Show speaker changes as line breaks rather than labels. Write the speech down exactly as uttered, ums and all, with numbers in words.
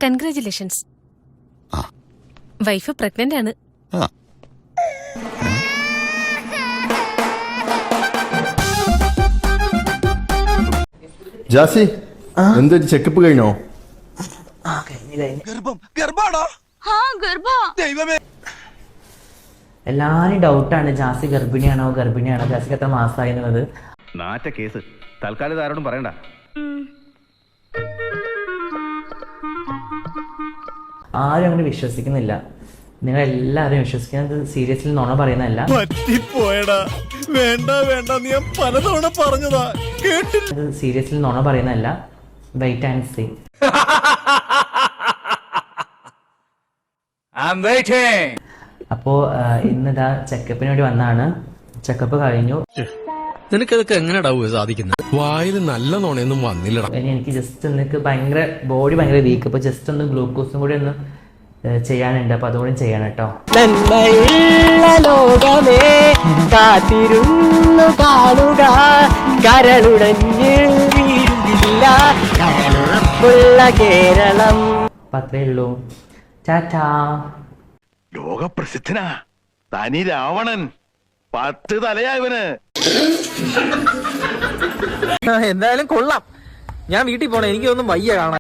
Congratulations. Wife pregnant ആണ്.
ജാസി, എന്താ checkup കഴിഞ്ഞോ?
എല്ലാരും ഡൗട്ടാണ് ജാസി ഗർഭിണിയാണോ ഗർഭിണിയാണോ ജാസിക്ക് എത്ര മാസമായി എന്നുള്ളത്.
നാറ്റ കേസ് തൽക്കാലം ആരോടും പറയണ്ട.
ആരും അങ്ങനെ വിശ്വസിക്കുന്നില്ല. നിങ്ങൾ എല്ലാവരും വിശ്വസിക്കുന്നത് സീരിയസ്ലി നുണ പറയുന്നതല്ല.
വേണ്ട വേണ്ട ഞാൻ പലതവണ പറഞ്ഞതാ കേട്ടില്ല.
സീരിയസ്ലി നുണ പറയുന്നതല്ല. Wait and see. അപ്പോ ഇന്നിതാ ചെക്കപ്പിന് വേണ്ടി വന്നാണ്. ചെക്കപ്പ് കഴിഞ്ഞു.
നിനക്കതൊക്കെ എങ്ങനെയാ സാധിക്കുന്നത്? വായിൽ നല്ല നോണയൊന്നും വന്നില്ലടാ.
ഇനി എനിക്ക് ജസ്റ്റ് എനിക്ക് ഭയങ്കര ബോഡി ഭയങ്കര വീക്ക്. അപ്പൊ ജസ്റ്റ് ഒന്ന് ഗ്ലൂക്കോസും കൂടി ഒന്ന് ചെയ്യാനുണ്ട്. അപ്പൊ അതുകൂടി ചെയ്യണം കേട്ടോ.
ലോകമേ കാത്തിരുന്നു കാണുക കരളുടഞ്ഞ് വീഴുന്നില്ല കേരളം.
അപ്പൊ അത്രേ ഉള്ളൂ. ടാറ്റാ.
ലോകപ്രസിദ്ധനാ തനി രാവണൻ. പത്ത് തലയായവന്.
എന്തായാലും കൊള്ളാം. ഞാൻ വീട്ടിൽ പോണേ, എനിക്കൊന്നും വയ്യ കാണാൻ.